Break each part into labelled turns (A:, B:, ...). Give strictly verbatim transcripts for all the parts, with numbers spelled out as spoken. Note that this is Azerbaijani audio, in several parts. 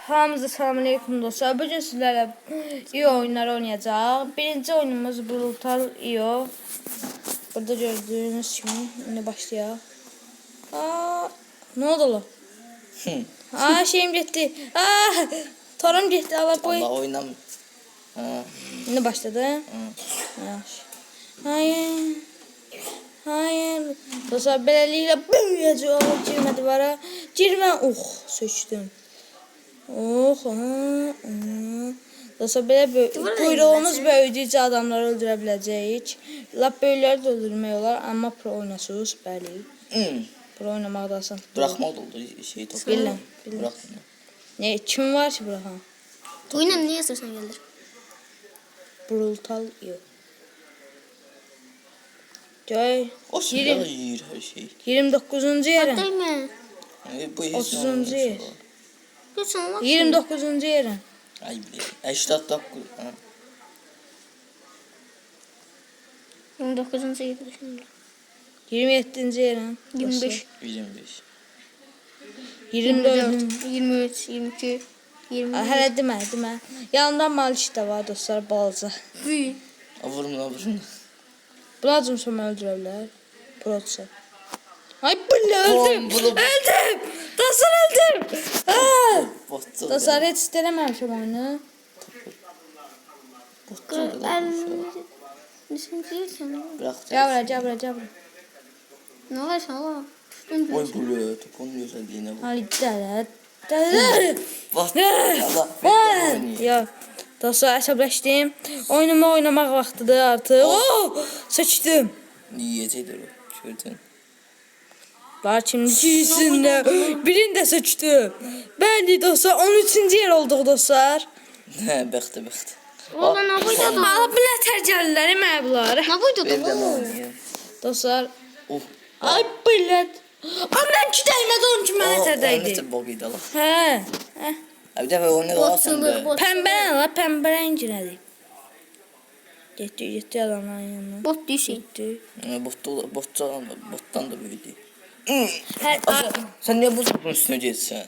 A: Hamınıza selamünaleyküm dostlar. Bugün sizlerle iyi oyunlar oynayacağız. Birinci oyunumuz Brutal İO. Burada gördüğünüz gibi yine başlayalım. Aa, ne oldu lan? Aa, şeyim gitti. Aa, torum gitti. Allah boy.
B: Allah oynam. Ha.
A: Yine başladı.
B: Ha.
A: Hayır. Hayır. Dostlar beləliklə böyüyəcək. Girmədi vara. Girmə. Oh, söçdüm. Oh, aha, aha. Dostlar belə quyruğunuz böyüdükcə adamları öldürə biləcəyik. Lap böyükləri də öldürmək olar, amma pro oynasınız, bəli.
B: Hmm.
A: Pro oynamaq da asan.
B: Bırakma da oldu şey topu.
A: Bilmem.
B: Bırak.
A: Ne, kim var ki bırakan?
C: Oyuna ne yazarsan gelir.
A: Brutal İO. Göy.
B: O silah yiyir her şey.
A: iyirmi doqquzuncu yerə.
C: Değil mi?
B: E, bu
A: otuzuncu yer.
C: Lütfen bak.
A: iyirmi doqquzuncu yerə.
B: Ay bile. Eştat dokuz.
C: yirmi dokuzuncu yedi şimdi.
A: iyirmi yeddinci yerə.
C: yirmi beş.
B: yirmi beş.
A: iyirmi dörd.
C: yirmi üç. yirmi iki. yirmi
A: Aa, hələ demə, demə. Yanında Maliş də var dostlar, balaca.
C: üç.
B: Vurma vurma.
A: Bunlar cümsümü öldürə bilər. Protsa. Ay billə, öldüm.
B: Oğlum, bunu-
A: Öldüm. Dostlar öldüm. Aa!
B: Botçu.
A: Dostlar heç istələməmişəm oyunu.
B: Bırak.
A: Cabra, cabra, cabra.
C: Ne var sana? Tuttum
B: Oy bulu. Topun güzelliğine bak.
A: Ay dələ. Dələ.
B: Bak. Allah.
A: Ya. Dostlar əsəbləşdim. Oyunumu oynamaq vaxtıdır artıq. Oh! Seçdim.
B: Yiyecektir o. Gördün.
A: Lakin ikisində birini də seçdim. Bəli dostlar, on üçüncü yer olduq dostlar.
B: He bəxtə bəxtə.
C: Oğlan ne buydu da?
A: Ala bilətər gəlirlər mən bunları.
C: Ne buydu
B: Ben de
C: da?
B: oynayayım.
A: Dostlar,
B: Oh.
A: ay bilət. Ondan ki dəymədi, onun ki mənə
B: O
A: tədəydi.
B: ne bok idi Allah.
A: Hə. Hə.
B: Bir dəfə onu alsan
C: Botçuluk,
B: da.
C: bot.
A: Pəmbə nə la, pəmbə rəngi nədir? Getdi, getdi adamların yanına.
C: Bot düşün.
A: Getdi.
B: Bottu, bottan da, bottan da büyüdü.
A: Hər
B: Sen niye bu topun üstüne geçsen?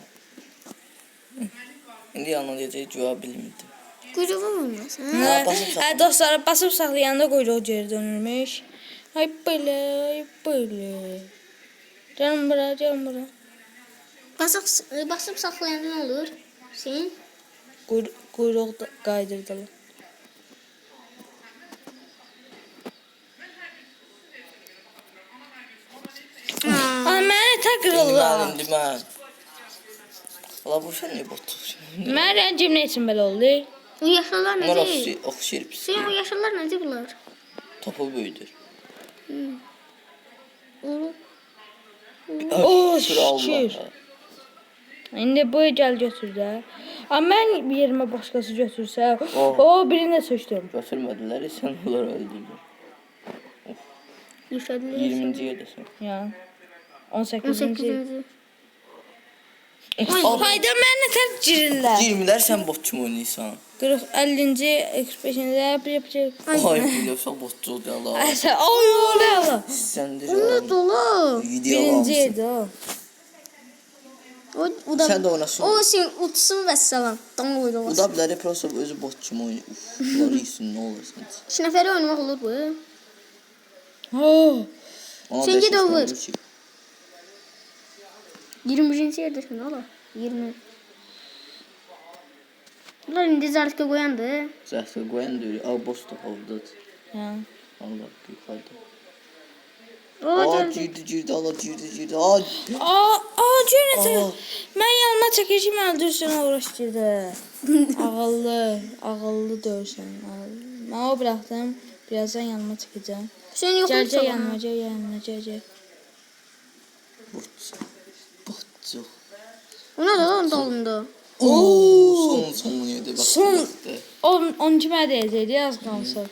B: İndi yanına diyecek cevap bilmirdim.
C: Kuyruğu olmaz. Ha?
A: Hə,
B: basıb saxla.
A: hə, dostlar, basıb saxlayanda quyruq geri dönürmüş. Ay belə, ay belə. Canım bura, canım bura.
C: Basıp, basıp saklayanda ne olur? Sen?
A: Quyruq, quyruq da qaydırdılar. Ay mənə təqrirlər.
B: Bilmem, bilmem. Allah bu şey niye bottu?
A: Mən rəngim nə üçün belə oldu?
C: O yaşlılar ne
B: Bunlar
C: değil?
B: oxşayır, oxşayır pis.
C: Sen o yaşlılar ne değil bunlar?
B: Topu büyüdür.
C: Oğlum.
A: Oh,
B: Şükür Allah.
A: şükür. İndi bu gəl götür də. Amma mən bir yerimə başqası götürsə,
B: Oh.
A: o birini də seçdim.
B: Götürmediler, sen onları öldürdün.
C: Yaşadılar.
B: yirminci yerdesin.
A: Yəni on
C: on
A: səkkizinci.
C: sekizinci.
A: Hayda mən nə tər girirlər.
B: yirmiler sen botçu mu oynayırsan?
A: qırx, əllinci, qırx beşinci yap yapacaq.
B: Ay biliyorsan botçu oldu Allah.
A: Əsə, ay ola ola.
B: Sendir
C: Ne
B: oğlum.
C: dolu?
B: Video
A: Birinci
B: almışsın.
A: yerdə o.
C: O, o da,
B: Sen de oynasın.
C: o sen utsun ve selam. Tam oydu
B: Bu
C: olsun.
B: da biləri prosta özü botçu mu oynuyor? Uf, bunları iyisin ne olursun.
C: Üç neferi oynamak olur bu.
A: Oh.
B: Ona
C: Sen
B: beş
C: git
B: yaşında
C: over.
B: olur ki.
C: yirmi birinci yerdesin oğlum. yirmi. Bunlar indi zarfka koyandı.
B: Zəhsə qoyan da öyle. Al boş da havdadır.
A: Yəni.
B: Allah yukarıda.
C: O
B: Aa
C: geldi.
B: girdi girdi Allah girdi girdi. Aa.
A: Aa, aa, görəsən.
B: Aa.
A: Mən yanıma çəkəcəm, öldürsün uğraşdırdı. Ağıllı, ağıllı dövsən. Mən o buraxdım. Birazdan yanıma çəkəcəm.
C: Sen yok
A: Gəl,
C: musun?
A: gəl yanıma, gəl yanıma, gəl, gəl.
B: Botçu. Botçu.
C: O ne lan dalında?
B: Oo. Son son yedi bak.
A: Son.
B: baktı.
A: on on kimə deyəcəkdi az qalsa.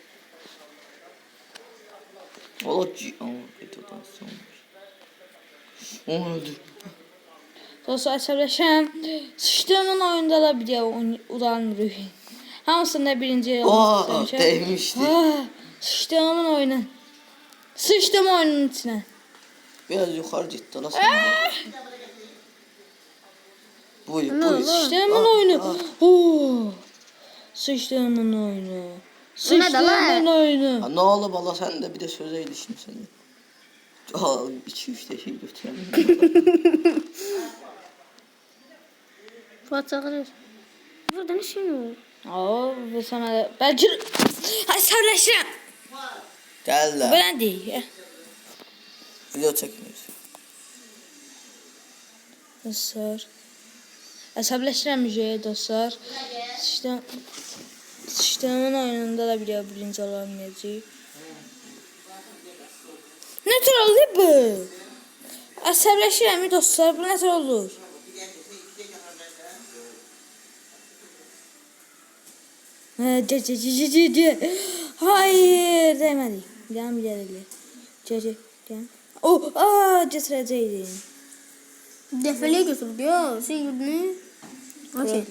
B: Allah ki. Ama videodan sonra. Onu öldür.
A: Dostlar əsəbləşəm. Sıçdığımın oyunda da bir deyə udanmırıq. Hamısında birinci yer
B: Aa
A: olmaq
B: değmişti.
A: Ah, sıçdığımın oyunu. Sıçdım oyunun içine.
B: Biraz yukarı gitti. Nasıl? Buyur,
C: Ne
B: buyur.
C: oldu?
A: Sıçtığımın oyunu. Oo. Sıçtığımın oyunu.
C: O ne de lan?
A: Sıçtığımın oyunu.
B: Ha, ne oldu bala sen de bir de söze ilişkin seni. Aa, iki üç de şey götürelim.
C: Fuat çağırır. Burada ne şey yok?
A: Oo, bu sana da... Ben cır... Ay sarılaşırım.
B: Gel
A: Bu
B: lan.
A: ne değil?
B: Video çekmiyoruz.
A: Dostlar. Əsəbləşirəm müjəyə dostlar. Sıçtım... Sıçtığımın oyununda da bir birinci olamayacaq. Ne tür oldu bu? Əsəbləşirəm dostlar. Bu ne tür olur? Cə cə cə cə cə cə. Hayır, demədik. Gəlin bir yerə. Cə cə, gəlin. Oh, aa, gətirəcəkdim.
C: Defeliye götürdü ya. Şey gördün. Okey.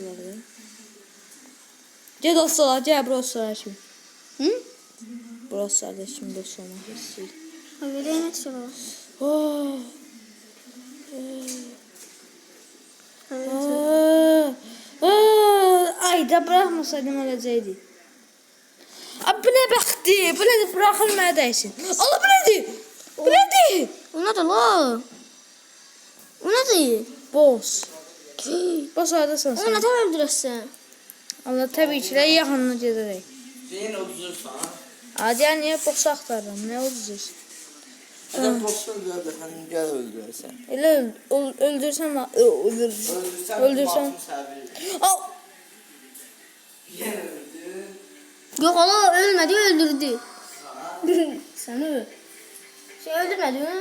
A: Gel dostlar, gel dostlar şimdi.
C: Hı?
A: Dostlar da şimdi dost olmak istiyor.
C: Öyle yemek istiyorlar.
A: Oh.
C: Evet.
A: Aa, aa, ay da bırakmasaydım öləcəkdi. Abi bu ne baktı? Bu ne bırakılmaya değsin. Allah bu nedir? Bu nedir?
C: O ne de la? O ne de?
A: Boss. Boss oradasın
C: O
A: sen.
C: ne de öldürürsen?
A: Allah tabii ki de yaxınına gedərək.
B: Senin otuzursan.
A: Hadi ya niye boss axtarıram? Ne olacaq?
B: Adam boş öldürdü. Hani gel öldürsen.
A: Elə öl öl öldürsən va- ö- öldür.
B: Öldürsen.
A: Öldürsen. Al.
C: Yok Allah ölmedi öldürdü. Seni öl. Şey öldürmedi mi?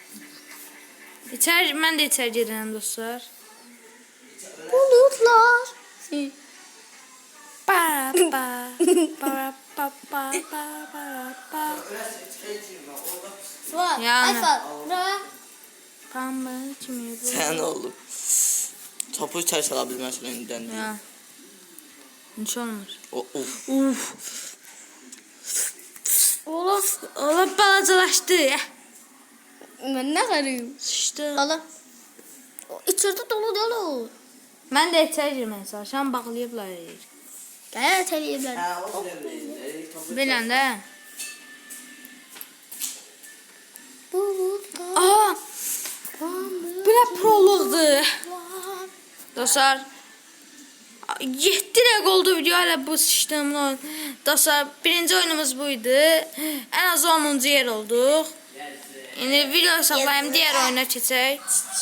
A: İçər mən də içər gedirəm dostlar.
C: Bulutlar. Şey.
A: Pa pa pa pa pa pa pa pa.
C: Var.
A: Yani.
C: Alfa. Bura.
A: Pamba kimi bu?
B: Sen oğlum. Topu ters alabilmezsin önünden.
A: Ya. Hiç olmaz.
B: O, of.
A: Uf.
C: Oğlum.
A: Allah balacalaşdı.
C: Ben ne karıyım?
A: Sıçdı.
C: Allah. O içeride dolu dolu.
A: Mən də içər girmək çalışan bağlayıblar.
C: Gel teliyebler.
B: Ha, o değil.
A: Bilən də.
C: Bulutlar.
A: Aha. Bu nə proloqdur. Dostlar. yeddi dəqiqə oldu video hələ bu sıçdığımın oyun. Dostlar birinci oyunumuz buydu. Ən az onuncu yer olduq. İndi video saxlayım diğer oyuna keçək.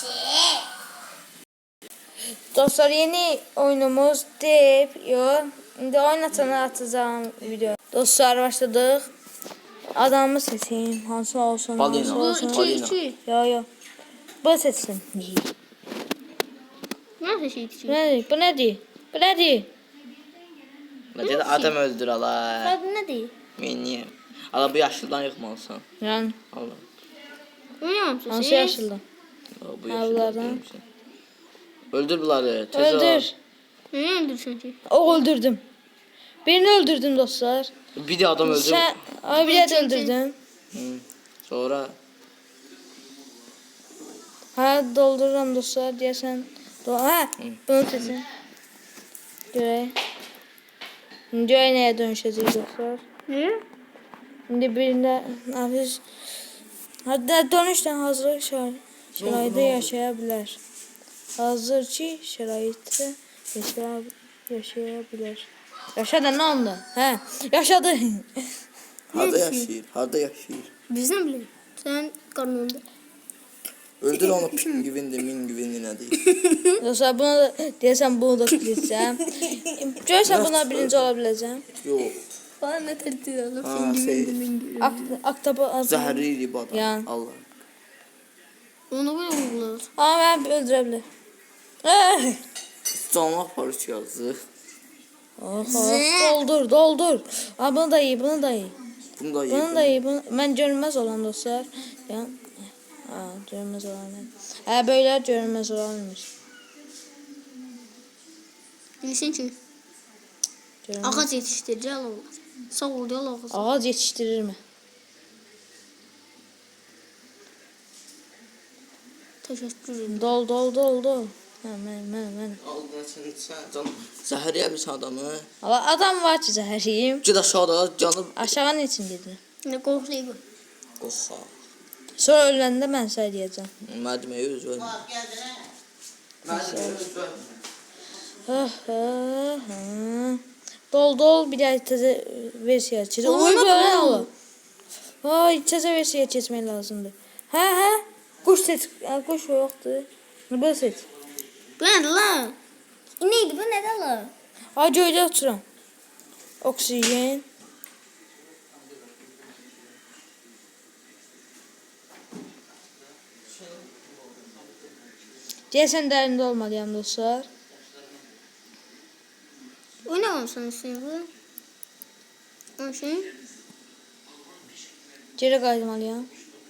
A: Dostlar yeni oyunumuz deyip yo. İndi oyun açana atacağım video. Dostlar başladıq. Adamı seçeyim. Hansı olsun?
B: Balina.
A: Hansı
C: Bu
A: olsun?
C: iki
B: Balina.
C: iki.
A: Yo yo. Bu seçsin.
C: Nasıl şey
A: Bu
C: için?
A: nedir? Bu nedir? Bu nedir?
B: Ne dedi adam öldür ala.
C: Adı ne değil?
B: Meniye. Ala bu yaşlıdan yıkmalısın.
A: Yani
B: Allah.
C: Bilmiyor musun?
A: hansı yaşıldı?
B: Ala, bu
A: Ha,
B: yaşlıdan
A: bunlardan.
B: yıkmalısın. Öldür bunları. tez ol.
A: Öldür.
C: Ne öldürsün ki?
A: O öldürdüm. Birini öldürdüm dostlar.
B: Bir de adam öldür.
A: Sen abi bir de öldürdüm.
B: Hı. Sonra.
A: Ha doldururam dostlar deyəsən. Do ha bunu seçin. Görək. Görək nəyə dönüşəcək dostlar.
C: Ne?
A: İndi birində nəfis Hadi dönüşdən hazırlıq şəra- şəraitdə yaşaya bilər. Hazır ki şəraitdə yaşaya, yaşaya bilər. Yaşadı nə oldu? Hə, yaşadı.
B: Harda yaşayır? Harda yaşayır?
C: Biz ne bileyim? Sen karnında.
B: Öldür onu pingvindi, mingvindi ne değil.
A: Dostlar buna da deyəsən bunu da kilitsəm. Görürsən buna birinci ola biləcəm.
B: Yok.
C: Bana ne tehdit alıp
B: Ha,
C: sen gibi
B: şey.
C: gibi.
A: Aktaba
B: Zehirli bu adam.
A: Ya.
B: Allah.
C: Onu böyle vurdular.
A: Amma mən öldürə bilər. Eh!
B: Canlı parça yazdı.
A: Oh, oh, doldur, doldur. Ha bunu da iyi, bunu da iyi.
B: Bunu da
A: Bunu da
B: yedim.
A: iyi. Bunu... Mən görünməz olan dostlar. Ya. Ha, görünməz olan. Hə, böyle görünməz olanmış.
C: Bilsin ki
A: Görünməz.
C: ağaç yetiştirici Allah. Sağ ol diyor Allah.
A: Ağac yetiştirir mi?
C: Teşekkür ederim.
A: Dol, dol, dol, dol. Hə, mən, mən, mən.
B: Aldın sen sen canım. Zəhər yemişsən adamı.
A: Ama adam var ki zəhəriyim.
B: Gid aşağıda canım.
A: Aşağı ne için gedir?
C: Ne qorxuyor bu.
B: Qoxa.
A: Sonra öləndə mən sənə deyəcəm.
B: Mədməyə öz ölmə. Mədməyə öz ölmə.
A: Ha, ha, ha. Dol dol bir daha təzə versiya çiz. Oy böyle olur. Ay təzə versiya keçmək lazımdır. Hə, hə. Quş seç. Hə, quş yoxdur. Böyle seç.
C: Bu nədir lan? Neydi bu nədir lan?
A: Ay göydə oturam. Oksigen. Deyəsən dərində olmalıyam dostlar.
C: O nə olsun şey bu? O şey?
A: Geri qayıtmalıyam.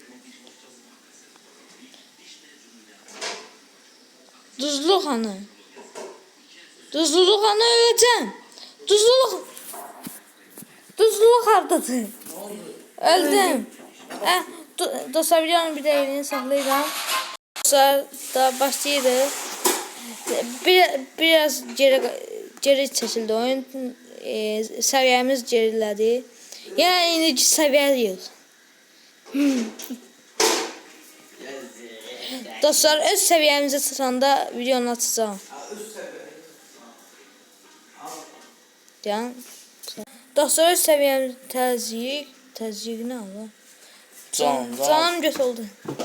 A: Duzluq hanı? Duzluq hanı öləcəm. Duzluq. Duzluq hardadır? Öldüm. Eh, dostlar videonun bir də elini saxlayıram. Dostlar da başlayırıq. Bir, biraz geri, geri çəkildi oyun. E, səviyyəmiz gerilədi. Yəni indiki səviyyəliyik. Dostlar öz səviyyəmizə çatanda videonu açacağım. Yəni dostlar öz səviyyəmiz təzyiq, təzyiq nə ola?
B: Can, can.
A: Canım göt oldu.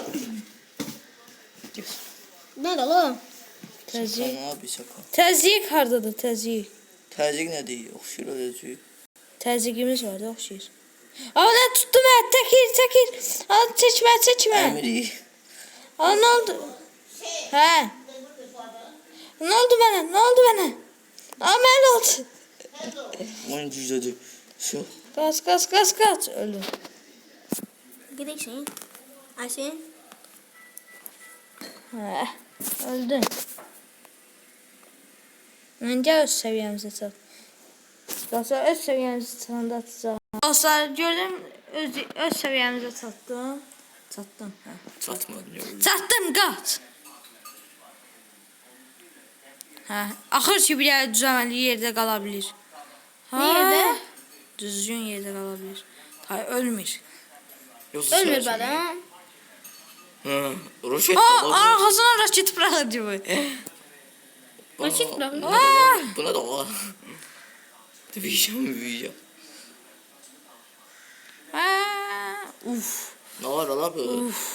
C: Nədir lan?
A: Təzyiq.
B: Nə bir şaka.
A: Təzyiq hardadır təzyiq?
B: Təzyiq nə deyir? Oxşur öləcək.
A: Təzyiqimiz var da oxşayır. Aa nə tutdu mən? Çəkir, çəkir. Aa çəkmə, çəkmə.
B: Əmri.
A: Aa nə oldu? Hə. Nə oldu mənə? Nə oldu mənə? Aa mən oldu.
B: Oyun cüzdədir. Şu.
A: Qaç, qaç, qaç, qaç. Öldüm.
C: Gedək şey. Ay şey.
A: Hə. Öldüm. Məncə öz səviyyəmizə çat. Dostlar öz səviyyəmizə çatanda atacağım. Dostlar gördüm öz, öz səviyyəmizə çatdım. Çatdım. Hə.
B: Çatmadı.
A: Çatdım qaç. Hə. Axır ki bir yerdə düzəməli yerdə qala bilir. Ha,
C: Nerede?
A: Düzgün yerdə qala bilir. Hay ölmür.
C: Ölmür bədəm.
B: Hı. Roşet.
A: Aa arxasına raket bırakır bu.
C: Raket bırakır.
A: Aa!
B: Buna da var. Dövüşəm, dövüşəm.
A: Aa! Uf.
B: Nə var ala bu?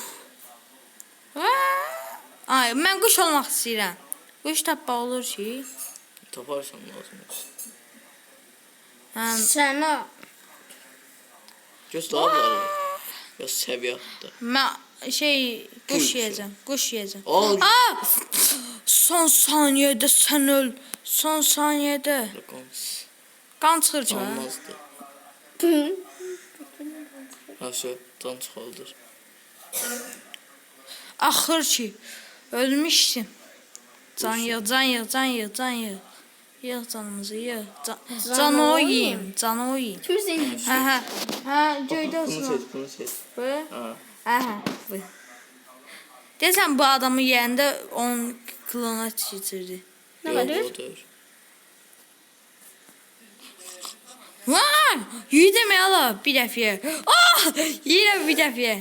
A: Aa! Ay mən quş olmaq istəyirəm. Quş tapmaq olur ki.
B: Taparsan lazım.
A: Həm
C: Sənə.
B: Göz lazım. Ya səviyyətdə.
A: mən şey quş
B: Quş.
A: yeyəcəm. Quş yeyəcəm.
B: Al.
A: Aa! Son saniyədə sən öl. Son saniyədə.
B: Qans.
A: Qan çıxır ki. hə?
B: Olmazdı. Ha şu can çıxaldır.
A: Axır ki ölmüşdüm. Can yığ, can yığ, can yığ, can yığ. Yığ canımızı, yığ. Can, can o yiyeyim, can o yiyeyim.
C: Kim seni?
A: Hə, hə. Hə, göydə
B: Bunu
A: olsun.
B: seç, bunu seç.
A: Bu?
B: Ha.
A: Hə, hə. Bu. Desən bu adamı yeyəndə onun klona keçirdi.
C: Nə
B: Yox,
C: var?
B: odur.
A: Vay! Yedim ya la bir dəfiyə. Ah! Yeyirəm bir dəfiyə.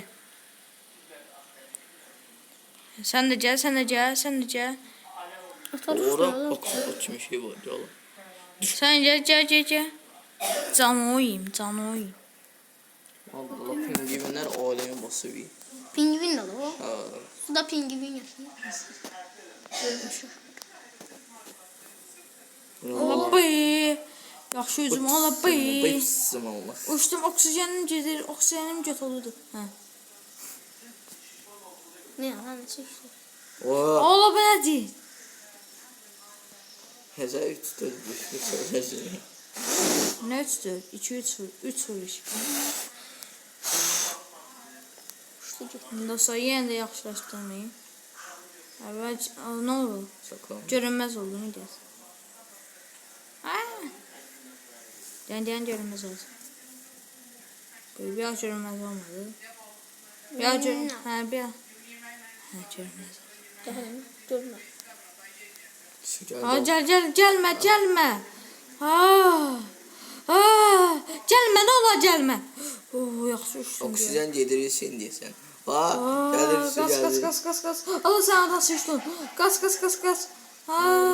A: Sən də gəl, sən də gəl, sən də gəl.
B: Ora oksot kimi şey var. Yala.
A: Sən gəl, gəl, gəl, gəl. Can o yiyeyim, can o yiyeyim.
B: Allah pingvinlər alemi basıb.
C: Pingvin də o.
B: Ha.
C: Suda pingvin yaşayır. Ölmüşük.
A: Allah bey. Yaxşı üzüm, Allah bey.
B: Bıçsım olmaz.
A: Uçdum, oksigenim gedir, oksigenim göt olurdu. Hə.
C: Ne yalan çekti.
B: Oha.
A: Allah bu nədir?
B: Həzə üç dörd beş beş söyləsin.
A: Nə üç dörd, iki üç üç vuruş.
C: Uçtu gitti.
A: Dostlar yenə də yaxşılaşdırmayın. Əvvəl nə oldu?
B: Şaka.
A: Görünməz oldu, nə deyəsən? Aa! Deyən deyən görünməz oldu. Böyle bir an görünməz olmadı. Bir an görünməz. Hə, bir an. Hə, görünməz oldu.
C: Daha ne? Görme.
B: Su geldi.
A: Ha gel gel gelme gelme. Ha. Ha gelme ne ola gelme. Oh yaxşı uçdun.
B: Oksijen gedirirsin diye sen. Ha
A: Aa,
B: gelir su
A: Gaz
B: geldi.
A: gaz gaz gaz gaz. Allah sen nasıl uçtun? Gaz gaz gaz gaz. Ha.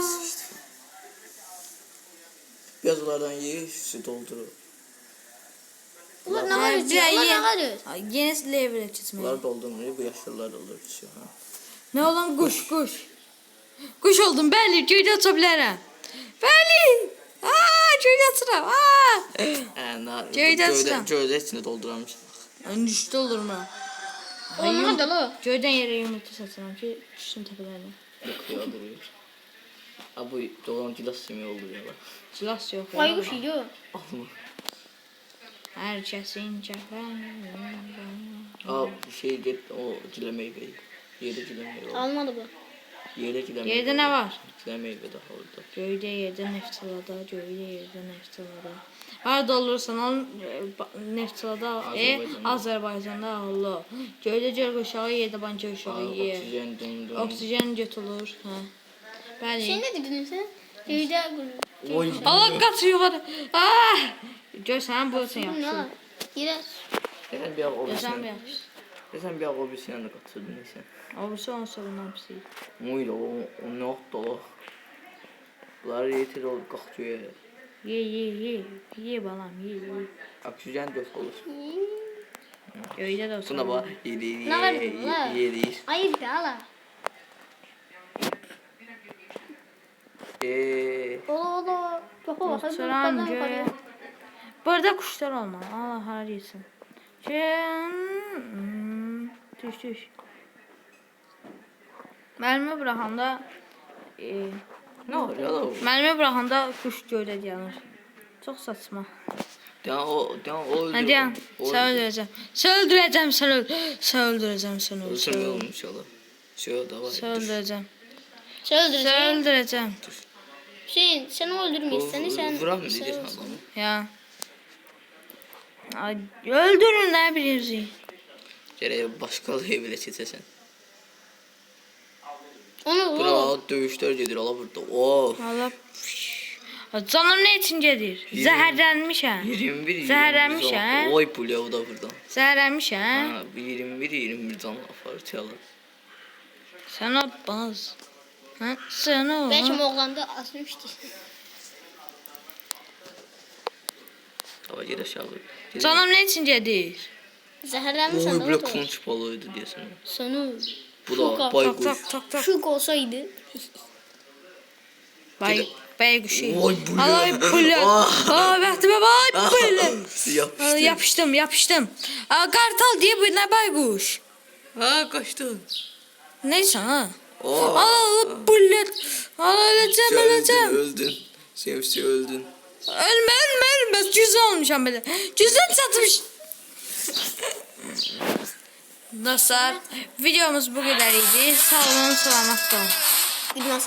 B: Biraz onlardan ye su doldurur.
C: Ulan ne
A: Ha,
C: var
A: bir
C: ki?
A: ay
C: Ulan
A: ye.
C: ne var?
A: Ay, Yeni level keçməyə.
B: Bunlar doldurmuyor bu yaşlılar doldurur su. Ha.
A: Ne olan kuş kuş. Kuş oldum bəli göydə uça bilərəm. Bəli. Aa göydə uçuram. Aa.
B: Ee, na,
A: Göyden
B: gövde,
A: sıra.
B: gövde içinde doldurarmış.
A: Ön düşdü olur mu?
C: Olmadı la.
A: Göydən yerə yumurta satıram ki düşsün təpələrinə.
B: Yakıyor duruyor. Ha bu dolan cilas simi oluyor bak.
A: Cilas yox. ya.
C: Baykuş yiyor.
B: Alma.
A: Hər kəsin cəfəni.
B: Aa şey get o cile meyveyi. Yedi cile meyve.
C: Almadı bu.
B: Yedi cile meyve.
A: Yerdə nə var?
B: Cile meyve daha orada.
A: Göydə yerdə neftalada, göydə yerdə neftalada. Harada olursan al e, ba- neftalada al. E,
B: Azərbaycanda.
A: Azərbaycanda Allah. Göydə gör uşağı, yerdə banca uşağı ye.
B: Oksijen dum dum.
A: Oksigen götürülür. Hə. Bəli.
C: Sen ne dedin sen? Köyde
B: Oy.
A: Allah qaç yuxarı. Ah! Gör sən bu sən
C: ne
A: yaxşı.
C: var? Yine
B: Sen bir al o bir
A: Sən
B: sen.
A: yaxşı.
B: Sen bir al o bir sen de katıldın neyse.
A: Avrusu on sorundan pisi.
B: Muydu o o ne oldu o. Bunlar yeter ol kalkıyor.
A: Ye ye ye. Ye balam ye ye.
B: Oksijen dört olur.
A: Göydə də olsun.
B: Buna bak yedi
C: Ne var
B: yedi
C: bu la?
B: yedi.
C: hayır da ala.
B: Eee.
C: Ola ola. Çok ola. Hadi
A: Oturan
C: yukarıdan
A: göğe.
C: yukarıya.
A: Burada kuşlar olmalı. Allah har yesin. Hmm, Düş düş. Məlimi buraxanda e,
B: Ne oluyor la o?
A: məlimi buraxanda kuş göydə dayanır. Çox saçma.
B: Ya o ya o öldü.
A: Hadi yan.
B: O
A: Sən
B: öldü.
A: öldürəcəm. Sən öldürəcəm sən öl. Sən öldürəcəm sən öl. Sən
B: Öldürme
A: öl.
B: olmuş ola. Şu da var.
A: Sən öldürəcəm.
C: Sen
A: Sən
C: öldüreceksin.
A: öldürəcəm.
C: Hüseyin sen öldürmeyiz seni sen.
B: Vuram mı
C: sen
B: diyeceksin
C: olsun.
B: adamı?
A: Ya. Ay, öldürün nə bilirsiniz?
B: Gerek başkalığı bile çetesen.
C: Onu
B: Bura
C: o.
B: dövüşler gedir ala burada. Of.
A: Allah. Canım ne için gelir? Zəhərlənmişəm.
B: yirmi bir
A: Zəhərlənmiş,
B: yirmi bir
A: hə?
B: can. Oy bu da burada.
A: Zəhərlənmişəm.
B: Ha, bu yirmi bir yirmi bir can afar çalar.
A: Sən o baz. Hə? Sən o.
C: Belki oğlanda asmıştı.
B: Ama geri aşağı. Geri-
A: Canım ne için gelir?
C: Zehirlenmiş
B: Oy
C: adam
B: böyle
C: da var.
B: konç balığıydı diyorsun.
C: Sonu.
B: Bu
C: Şoka.
B: da
A: Tak
B: baykuş.
A: tak tak tak.
C: Şuk olsaydı.
A: Bay bay kuşu.
B: Oy bu
A: Ay
B: ya.
A: bu ya.
B: Ah.
A: Aa vaxtıma bay bu ya.
B: Yapıştı.
A: Aa, Yapışdım yapışdım. Aa, kartal diye bu ne baykuş?
B: Ha kaçtı.
A: Neyse ha.
B: Oh.
A: Aa bullet. Aa öleceğim
B: Öldün
A: öleceğim.
B: öldün. Sevsi öldün.
A: Ölme ölme ölme. Cüzü olmuşam böyle. Cüzden satmış. Dostlar videomuz bu kadar idi. Sağ olun selamat olun.
C: Bilmez.